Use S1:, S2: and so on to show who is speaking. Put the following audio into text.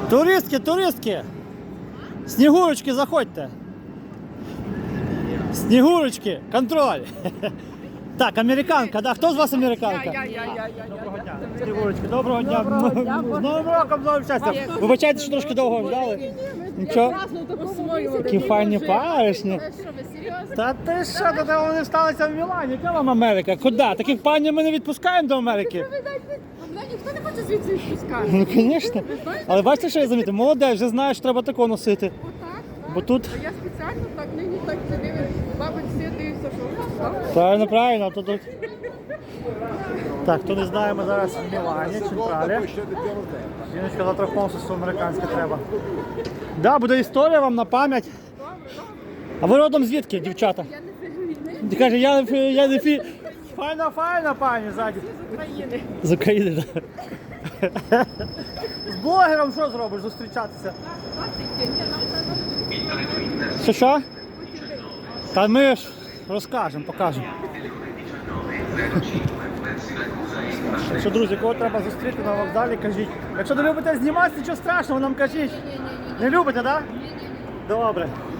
S1: Туристки, туристки! Снігурочки, заходьте! Снігурочки, контроль! Так, американка, да? Хто з вас американка?
S2: Я.
S1: Доброго дня. Снігурочки, доброго дня. З Новим роком, з новим щастям. Вибачайте, що трошки довго взяли. Нічого. Такі файні паришні.
S2: Що ви серйозно?
S1: Та ти що, та вони сталися в Мілані? Яка вам Америка? Куди? Таких пані ми не відпускаємо до Америки.
S2: Мене ніхто не хоче звідси відпускати.
S1: Ну, звісно. Але бачите, що я замітив? Молодець, вже знаєш, треба тако носити.
S2: Отак,
S1: Бо тут...
S2: я спеціально так нині так сидів, бабить всі дивився, що
S1: Правильно, правильно. Тут... Так, хто не знає, ми зараз в Мілані, Централі. Жіночка завтра консульство американське треба. Да, буде історія вам на пам'ять. А ви родом звідки, дівчата?
S2: Я не фігурний.
S1: Каже, я не фі... Файна пані ззаді.
S2: З України.
S1: З України, так. З блогером що зробиш, зустрічатися? Що? Та ми ж розкажемо, покажемо. Що, друзі, кого треба зустріти на вокзалі, кажіть. Якщо не любите знімати, нічого страшного, нам кажіть. Не любите, так? Да? Добре.